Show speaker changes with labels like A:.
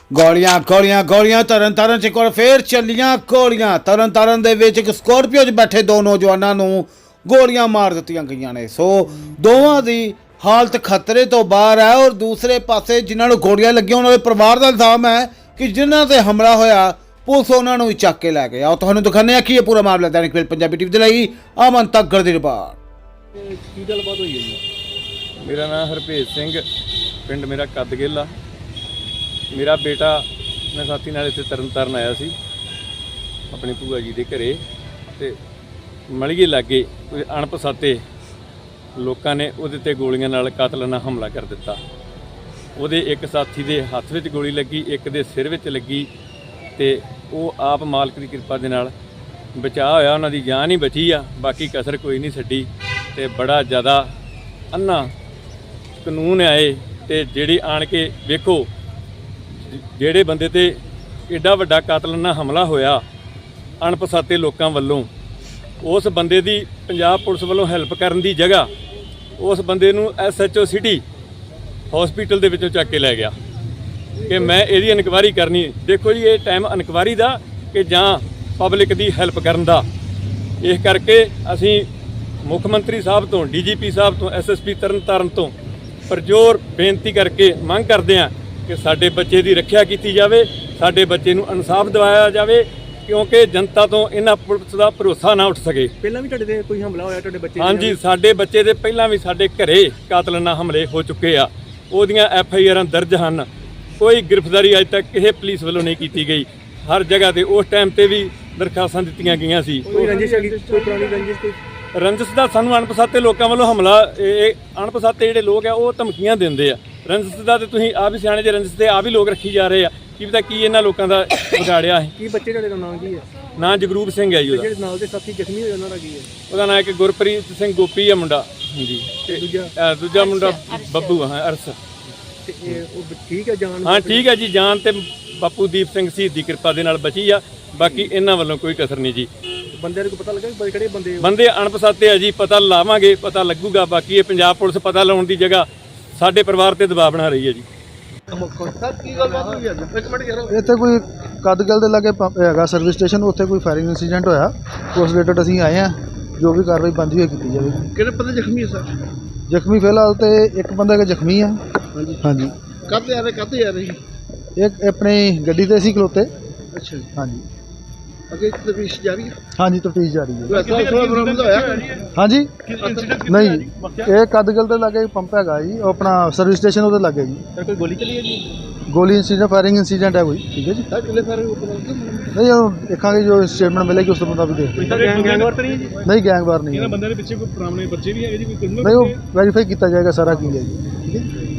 A: ਗੋਲੀਆਂ ਗੋਲੀਆਂ ਗੋਲੀਆਂ ਤਰਨਤਾਰਨ 'ਚ ਇੱਕ ਵਾਰ ਫੇਰ ਚੱਲੀਆਂ ਗੋਲੀਆਂ। ਤਰਨਤਾਰਨ ਦੇ ਵਿੱਚ ਇੱਕ ਸਕੋਰਪੀਓ 'ਚ ਬੈਠੇ ਦੋ ਨੌਜਵਾਨਾਂ ਨੂੰ ਗੋਲੀਆਂ ਮਾਰ ਦਿੱਤੀਆਂ ਗਈਆਂ ਨੇ। ਸੋ ਦੋਵਾਂ ਦੀ ਹਾਲਤ ਖਤਰੇ ਤੋਂ ਬਾਹਰ ਹੈ ਔਰ ਦੂਸਰੇ ਪਾਸੇ ਜਿਨ੍ਹਾਂ ਨੂੰ ਗੋਲੀਆਂ ਲੱਗੀਆਂ ਉਹਨਾਂ ਦੇ ਪਰਿਵਾਰ ਦਾ ਇਲਜ਼ਾਮ ਹੈ ਕਿ ਜਿਨ੍ਹਾਂ ਤੇ ਹਮਲਾ ਹੋਇਆ ਪੁਲਿਸ ਉਹਨਾਂ ਨੂੰ ਹੀ ਚੱਕ ਕੇ ਲੈ ਗਈ। ਆਓ ਤੁਹਾਨੂੰ ਦਿਖਾਉਂਦੇ ਹਾਂ ਕਿ ਇਹ ਪੂਰਾ ਮਾਮਲਾ ਦੈਨਿਕ ਸਵੇਰਾ ਪੰਜਾਬੀ ਟੀਵੀ ਦੇ ਲਈ ਅਮਨ ਤੱਕੜ ਦੀ ਰਿਪੋਰਟ।
B: ਕੀ ਗੱਲਬਾਤ ਹੋਈ ਹੈ ਜੀ?
C: ਮੇਰਾ ਨਾਮ ਹਰਭੇਜ ਸਿੰਘ, ਪਿੰਡ ਮੇਰਾ ਕੱਦਗਿੱਲ ਆ। ਮੇਰਾ ਬੇਟਾ ਮੈਂ ਸਾਥੀ ਨਾਲ ਇੱਥੇ ਤਰਨਤਾਰਨ ਆਇਆ ਸੀ ਆਪਣੀ ਭੂਆ ਜੀ ਦੇ ਘਰੇ, ਤੇ ਮਲੀਏ ਲਾਗੇ ਕੋਈ ਅਣਪਛਾਤੇ ਲੋਕਾਂ ਨੇ ਉਹਦੇ ਤੇ ਗੋਲੀਆਂ ਨਾਲ ਕਾਤਲਾਨਾ ਹਮਲਾ ਕਰ ਦਿੱਤਾ। ਉਹਦੇ ਇੱਕ ਸਾਥੀ ਦੇ ਹੱਥ ਵਿੱਚ ਗੋਲੀ ਲੱਗੀ, ਇੱਕ ਦੇ ਸਿਰ ਵਿੱਚ ਲੱਗੀ, ਤੇ ਉਹ ਆਪ ਮਾਲਕ ਦੀ ਕਿਰਪਾ ਦੇ ਨਾਲ ਬਚਾਅ ਹੋਇਆ, ਉਹਨਾਂ ਦੀ ਜਾਨ ਹੀ ਬਚੀ ਆ, ਬਾਕੀ ਕਸਰ ਕੋਈ ਨਹੀਂ ਛੱਡੀ। ਤੇ ਬੜਾ ਜ਼ਿਆਦਾ ਅੰਨਾ ਕਾਨੂੰਨ ਆਏ ਤੇ ਜਿਹੜੀ ਆਣ ਕੇ ਵੇਖੋ ਜਿਹੜੇ ਬੰਦੇ ਤੇ ਐਡਾ ਵੱਡਾ ਕਾਤਲਾਨਾ ਹਮਲਾ ਹੋਇਆ ਅਣਪਛਾਤੇ ਲੋਕਾਂ ਵੱਲੋਂ, ਉਸ ਬੰਦੇ ਦੀ ਪੰਜਾਬ ਪੁਲਿਸ ਵੱਲੋਂ ਹੈਲਪ ਕਰਨ ਦੀ ਜਗ੍ਹਾ ਉਸ ਬੰਦੇ ਨੂੰ SHO ਸਿਟੀ ਹਸਪੀਟਲ ਦੇ ਵਿੱਚੋਂ ਚੱਕ ਕੇ ਲੈ ਗਿਆ ਕਿ ਮੈਂ ਇਹਦੀ ਇਨਕੁਆਇਰੀ ਕਰਨੀ। ਦੇਖੋ ਜੀ, ਇਹ ਟਾਈਮ ਇਨਕੁਆਇਰੀ ਦਾ ਕਿ ਜਾਂ ਪਬਲਿਕ ਦੀ ਹੈਲਪ ਕਰਨ ਦਾ। ਇਸ ਕਰਕੇ ਅਸੀਂ ਮੁੱਖ ਮੰਤਰੀ ਸਾਹਿਬ ਤੋਂ, DGP ਸਾਹਿਬ ਤੋਂ, SSP ਤਰਨਤਾਰਨ ਤੋਂ ਪਰਜੋਰ ਬੇਨਤੀ ਕਰਕੇ ਮੰਗ ਕਰਦੇ ਹਾਂ ਕਿ ਸਾਡੇ ਬੱਚੇ ਦੀ ਰੱਖਿਆ ਕੀਤੀ ਜਾਵੇ, ਸਾਡੇ ਬੱਚੇ ਨੂੰ ਇਨਸਾਫ ਦਿਵਾਇਆ ਜਾਵੇ, ਕਿਉਂਕਿ ਜਨਤਾ ਤੋਂ ਇਹਨਾਂ ਪੁਲਿਸ ਦਾ ਭਰੋਸਾ ਨਾ ਉੱਠ ਸਕੇ।
B: ਪਹਿਲਾਂ ਵੀ ਤੁਹਾਡੇ ਤੇ ਕੋਈ ਹਮਲਾ ਹੋਇਆ ਤੁਹਾਡੇ ਬੱਚੇ?
C: ਹਾਂਜੀ, ਸਾਡੇ ਬੱਚੇ ਦੇ ਪਹਿਲਾਂ ਵੀ ਸਾਡੇ ਘਰੇ ਕਾਤਲਾਨਾ ਹਮਲੇ ਹੋ ਚੁੱਕੇ ਆ, ਉਹਦੀਆਂ FIRਾਂ ਦਰਜ ਹਨ। ਕੋਈ ਗ੍ਰਿਫਤਾਰੀ ਅਜੇ ਤੱਕ ਕਿਸੇ ਪੁਲਿਸ ਵੱਲੋਂ ਨਹੀਂ ਕੀਤੀ ਗਈ। ਹਰ ਜਗ੍ਹਾ ਤੇ ਉਸ ਟਾਈਮ ਤੇ ਵੀ ਦਰਖਾਸਤਾਂ ਦਿੱਤੀਆਂ ਗਈਆਂ ਸੀ।
B: ਕੋਈ ਰੰਜਿਸ਼ ਹੈਗੀ? ਕੋਈ ਪੁਰਾਣੀ ਰੰਜਿਸ਼? ਕੋਈ
C: ਰੰਜਿਸ਼ ਦਾ ਸਾਨੂੰ ਅਣਪਛਾਤੇ ਲੋਕਾਂ ਵੱਲੋਂ ਹਮਲਾ, ਇਹ ਅਣਪਛਾਤੇ ਜਿਹੜੇ ਲੋਕ ਆ ਉਹ ਧਮਕੀਆਂ ਦਿੰਦੇ ਆ। ਰੰਜਿਸ਼ ਦਾ ਤੇ ਤੁਸੀਂ ਆਪ ਹੀ ਸਿਆਣੇ ਜੇ, ਰੰਜਿਸ਼ ਤੇ ਆਪ ਹੀ ਲੋਕ ਰੱਖੀ ਜਾ ਰਹੇ ਆ। ਕੀ ਪਤਾ ਕੀ ਇਹਨਾਂ ਲੋਕਾਂ ਦਾ ਵਿਗਾੜਿਆ ਹੈ।
B: ਕੀ ਬੱਚੇ ਤੁਹਾਡੇ ਦਾ ਨਾਮ ਕੀ ਹੈ?
C: ਨਾਂ ਜਗਰੂਪ ਸਿੰਘ ਹੈ ਜੀ ਉਹਦਾ।
B: ਜਿਹੜੇ ਨਾਲ ਦੇ ਸਾਥੀ ਜ਼ਖਮੀ ਹੋਏ ਉਹਨਾਂ ਦਾ ਕੀ ਹੈ?
C: ਉਹਦਾ ਨਾਂ ਇੱਕ ਗੁਰਪ੍ਰੀਤ ਸਿੰਘ ਗੋਪੀ ਆ ਮੁੰਡਾ। ਹਾਂਜੀ,
B: ਤੇ
C: ਦੂਜਾ ਮੁੰਡਾ ਬੱਬੂ ਹਾਂ, ਅਰਸ।
B: ਤੇ ਉਹ ਠੀਕ ਹੈ ਜਾਨ?
C: ਹਾਂ ਠੀਕ ਹੈ ਜੀ, ਜਾਨ ਤੇ ਬਾਪੂ ਦੀਪ ਸਿੰਘ ਸ਼ਹੀਦ ਦੀ ਕਿਰਪਾ ਦੇ ਨਾਲ ਬਚੀ ਆ। ਬਾਕੀ ਇਹਨਾਂ ਵੱਲੋਂ ਕੋਈ ਕਸਰ ਨਹੀਂ ਜੀ।
B: ਬੰਦਿਆਂ ਨੂੰ ਪਤਾ ਲੱਗਾ ਕਿ ਕਿਹੜੇ ਬੰਦੇ?
C: ਬੰਦੇ ਅਣਪਛਾਤੇ ਆ ਜੀ, ਪਤਾ ਲਾਵਾਂਗੇ, ਪਤਾ ਲੱਗੂਗਾ। ਬਾਕੀ ਇਹ ਪੰਜਾਬ ਪੁਲਿਸ ਪਤਾ ਲਾਉਣ ਦੀ ਜਗ੍ਹਾ ਸਾਡੇ ਪਰਿਵਾਰ ਤੇ ਦਬਾਅ ਬਣਾ ਰਹੀ ਹੈ ਜੀ।
D: ਇੱਥੇ ਕੋਈ ਕੱਦਗਿੱਲ ਦੇ ਲਾਗੇ ਪੰਪ ਹੈਗਾ ਸਰਵਿਸ ਸਟੇਸ਼ਨ, ਉੱਥੇ ਕੋਈ ਫਾਇਰਿੰਗ ਇਨਸੀਡੈਂਟ ਹੋਇਆ। ਉਸ ਰਿਲੇਟਡ ਅਸੀਂ ਆਏ ਹਾਂ, ਜੋ ਵੀ ਕਾਰਵਾਈ ਬਣਦੀ ਹੋਈ ਕੀਤੀ ਜਾਵੇਗੀ।
E: ਕਿਹੜੇ ਬੰਦੇ ਜ਼ਖਮੀ ਹੈ ਸਰ?
D: ਜ਼ਖਮੀ ਫਿਲਹਾਲ ਤੇ ਇੱਕ ਬੰਦਾ ਹੈਗਾ ਜ਼ਖਮੀ ਆ। ਹਾਂਜੀ,
E: ਕਾਹਤੇ ਆ ਰਹੇ?
D: ਇੱਕ ਆਪਣੀ ਗੱਡੀ ਤੇ ਸੀ ਖਲੋਤੇ।
E: ਅੱਛਾ ਜੀ।
D: ਹਾਂਜੀ
E: ਅੱਗੇ ਤਫਤੀਸ਼ ਜਾਰੀ ਹੈ?
D: ਹਾਂਜੀ, ਤਫਤੀਸ਼ ਜਾਰੀ ਹੈ।
E: ਬਰਾਮਦ ਹੋਇਆ?
D: ਹਾਂਜੀ ਨਹੀਂ, ਇਹ ਕੱਦਗਿੱਲ ਦੇ ਲਾਗੇ ਪੰਪ ਹੈਗਾ ਜੀ, ਉਹ ਆਪਣਾ ਸਰਵਿਸ ਸਟੇਸ਼ਨ ਉਹਦੇ ਲਾਗੇ ਜੀ।
B: ਸਰ ਕੋਈ ਗੋਲੀ ਚੱਲੀ ਹੈ ਜੀ?
D: ਗੋਲੀ ਇਨਸੀਡੈਂਟ, ਫਾਇਰਿੰਗ ਇਨਸੀਡੈਂਟ ਹੈ ਕੋਈ। ਠੀਕ ਹੈ ਜੀ।
E: ਸਰ ਕਿੰਨੇ ਸਾਰੇ
D: ਨਹੀਂ, ਉਹ ਦੇਖਾਂਗੇ ਜੋ ਸਟੇਟਮੈਂਟ ਮਿਲੇਗੀ ਉਸ ਤੋਂ ਮੁਤਾਬਿਕ ਦੇਖਦੇ।
B: ਗੈਂਗਵਾਰ ਤਾਂ ਨਹੀਂ ਹੈ ਜੀ?
D: ਨਹੀਂ, ਗੈਂਗਵਾਰ ਨਹੀਂ।
B: ਇਹਨਾਂ ਬੰਦਿਆਂ ਦੇ ਪਿੱਛੇ ਕੋਈ ਪੁਰਾਣੇ ਬੱਚੇ ਵੀ ਹੈਗੇ ਜੀ? ਕੋਈ
D: ਨਹੀਂ, ਉਹ ਵੈਰੀਫਾਈ ਕੀਤਾ ਜਾਏਗਾ ਸਾਰਾ ਕੀ ਹੈ ਜੀ। ਠੀਕ ਹੈ।